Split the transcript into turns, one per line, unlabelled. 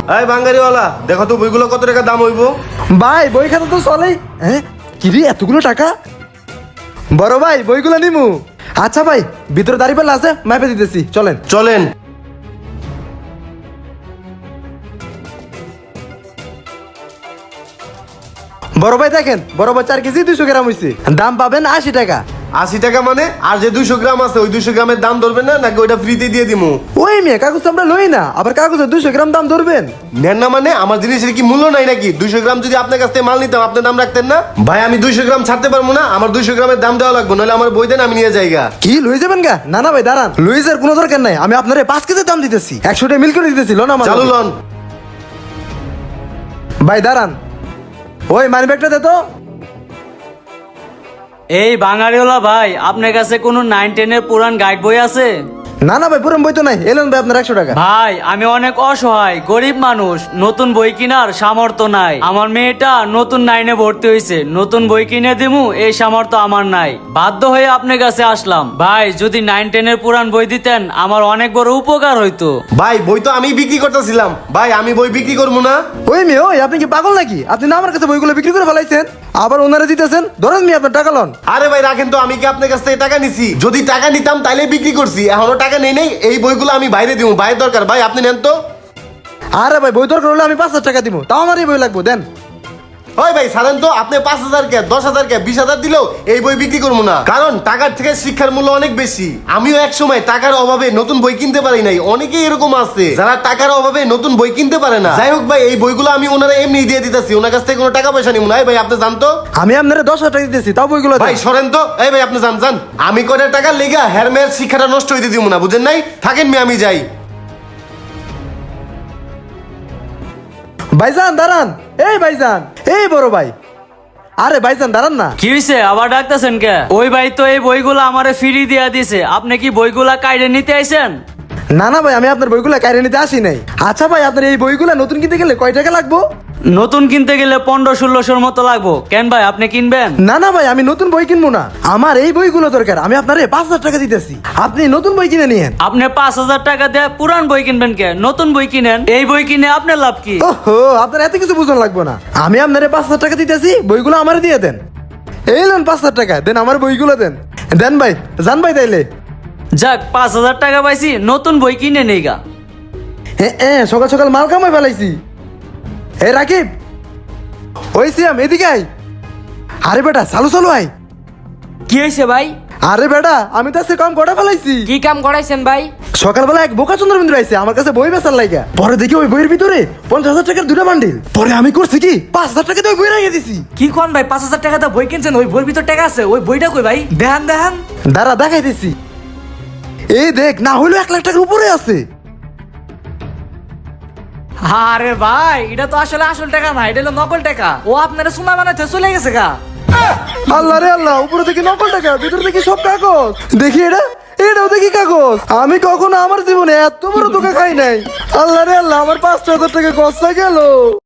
এই বাঙ্গারিওয়ালা, দেখো তো বইগুলো কত টাকা দাম হইব?
ভাই বই খাতা তো চলেই। হ্যাঁ কি রে এতগুলো টাকা? বড় ভাই বইগুলো নিমু। আচ্ছা ভাই ভিতরে দাঁড়িয়ে পেলে আছে, মাপে দিতেছি, চলেন।
চলেন।
বড় ভাই দেখেন, বড় ভাই 4 কেজি 200 গ্রাম হয়েছে, দাম পাবেন 80 টাকা।
80 টাকা মানে? আর যে 200 গ্রাম আছে ওই 200 গ্রামের দাম ধরবেন না নাকি ওইটা ফ্রিতে দিয়ে দিমু?
ওই মেয়ে কাগজ তো আমরা লই না, আবার কাগজে 200 গ্রাম দাম ধরবেন?
নেন না মানে আমার জিনিসের কি মূল্য নাই নাকি? 200 গ্রাম যদি আপনার কাছ থেকে মাল নিতাম আপনি দাম রাখতেন না? ভাই আমি 200 গ্রাম ছাড়তে পারবো না, আমার 200 গ্রামের দাম দেওয়া লাগবে, নাহলে আমার বই দেন আমি নিয়ে যাইগা।
কি লই যাবেন গা? না না ভাই দাঁড়ান, লুইজের কোনো দরকার নাই, আমি আপনারে 5 কেজি দাম দিতেছি, 100 টাকা মিল করে দিতেছি, লোন আমার।
চালু লন।
ভাই দাঁড়ান, ওই মানি ব্যাগটা দে তো।
এই বাঙালিওয়ালা ভাই, আপনার কাছে কোনো 9-10 এর পুরান গাইড বই আছে?
না না ভাই পুরো বই তো নাই, এলেন ভাই আপনার 100 টাকা।
ভাই আমি অনেক অসহায় গরিব মানুষ, নতুন বই কেনার সামর্থ্য নাই। আমার মেয়েটা নতুন 9-এ ভর্তি হয়েছে, নতুন বই কিনে দিমু এই সামর্থ্য আমার নাই, বাধ্য হয়ে আপনার কাছে আসলাম। ভাই যদি 9-10 এর পুরান বই দিতেন আমার অনেক বড় উপকার হইতো।
ভাই বই তো আমি বিক্রি করতেছিলাম, ভাই আমি বই বিক্রি করবো না।
ওই মেয়ে ওই, আপনি কি পাগল নাকি? আপনি না আমার কাছে বইগুলো বিক্রি করে ফেলাইছেন, আবার ওনারা দিতেছেন, ধরেন মেয়ে আপনার টাকা লন।
আরে ভাই রাখেন তো, আমি কি আপনার কাছ থেকে টাকা নিছি? যদি টাকা নিতাম তাইলে বিক্রি করছি, এখনো টাকা নেই নাই। এই বইগুলো আমি বাইরে দিব, বাইরের দরকার, ভাই আপনি নেন তো।
আরে ভাই বই দরকার হলে আমি 5,000 টাকা দিব, তাও আমার এই বই লাগবে, দেন।
ওই ভাই ছাড়েন তো, আপনি 5,000 কে 10,000 কে 20,000 দিলেও এই বই বিক্রি করবো না, কারণ টাকার থেকে শিক্ষার মূল্য অনেক বেশি। আমিও এক সময় টাকার অভাবে নতুন বই কিনতে পারি নাই, অনেকেই এরকম আছে যারা টাকার অভাবে নতুন বই কিনতে পারে না। যাই হোক ভাই, এই বইগুলো আমি ওনারা এমনি দিয়ে দিতেছি, ওনার কাছ থেকে কোনো টাকা পয়সা নিব না। ভাই আপনি জানতো,
আমি আপনারা 10,000 টাকা দিতেছি, তাও বইগুলো দেন।
ভাই সরেন তো। এই ভাই আপনি জান আমি কয়টা টাকা লেগা হেরমের শিক্ষাটা নষ্ট হইতে দিব না, বুঝেন নাই? থাকেন মি, আমি যাই।
ভাইজান দাঁড়ান, এই ভাইজান, এই বড় ভাই, আরে ভাইজান দাঁড়ান না।
কি হইছে আবার ডাকতেছেন কে? ওই ভাই তো এই বইগুলা আমারে ফ্রি দিয়া দিছে, আপনি কি বইগুলা কাইরে নিতে আইছেন?
না না ভাই, আমি আপনার বইগুলো কাইরে নিতে আসি নাই। আচ্ছা ভাই, আপনার এই বইগুলো নতুন কিনতে গেলে কয় টাকা লাগবো?
নতুন কিনতে গেলে 1500-1600 মতো লাগবো। কেন ভাই আপনি কিনবেন?
না না ভাই, আমি নতুন বই কিনবো না, আমার এই বইগুলো দরকার, আমি আপনারে 5,000 টাকা দিতেছি, আপনি নতুন বই কিনে নিয়েন।
আপনি 5,000 টাকা দিয়ে পুরান বই কিনবেন কে? নতুন বই কিনেন, এই বই কিনে আপনার লাভ কি?
ওহো, আপনার এত কিছু বুঝন লাগবে না, আমি আপনারে 5,000 টাকা দিতেছি, বইগুলো আমারে দিয়ে দেন। এই লোন 5,000 টাকা দেন, আমার বইগুলো দেন। দেন ভাই, যান ভাই তাইলে।
যাক 5,000 টাকা পাইছি, নতুন বই কিনে নেই গা।
হ্যাঁ সকাল সকাল মাল কামাই ফেলাইছি। হে রাকিব, ওই সিয়াম এদিকে আয়। আরে বেটা চালু চালু আয়।
কি হয়েছে ভাই?
আরে বেটা আমি তো আজকে কাম কটা ফেলাইছি।
কি কাম করাইছেন ভাই?
সকালবেলা এক বোকা চন্দ্রবিন্দু আইছে আমার কাছে বই বেচার লাইগা, পরে দেখি ওই বইয়ের ভিতরে 50,000 টাকার 2টা বান্ডিল, পরে আমি করছি কি 5,000 টাকা দিয়ে ওই বই রাখিয়ে দিছি।
কি কোন ভাই, 5,000 টাকা দিয়ে বই কিনছেন, ওই বইয়ের ভিতর টাকা আছে? ওই বইটা কই ভাই? দেখান দেখান।
দাঁড়া দেখাই দিছি, এই দেখ, না হইলো 1 লাখ টাকার উপরে আছে।
আরে ভাই এটা তো আসলে আসল টাকা না, এটা হলো নকল টাকা। ও আপনারা সোনা বানাতে চলে গেছে গা।
আল্লাহ রে আল্লাহ, উপরে দেখি নকল টাকা, ভিতরে দেখি সব কাগজ। দেখি এটাও দেখি কাগজ। আমি কখনো আমার জীবনে এত বড় ধোঁকা খাই নাই। আল্লাহ রে আল্লাহ, আমার 5,000 টাকা খরচা গেল।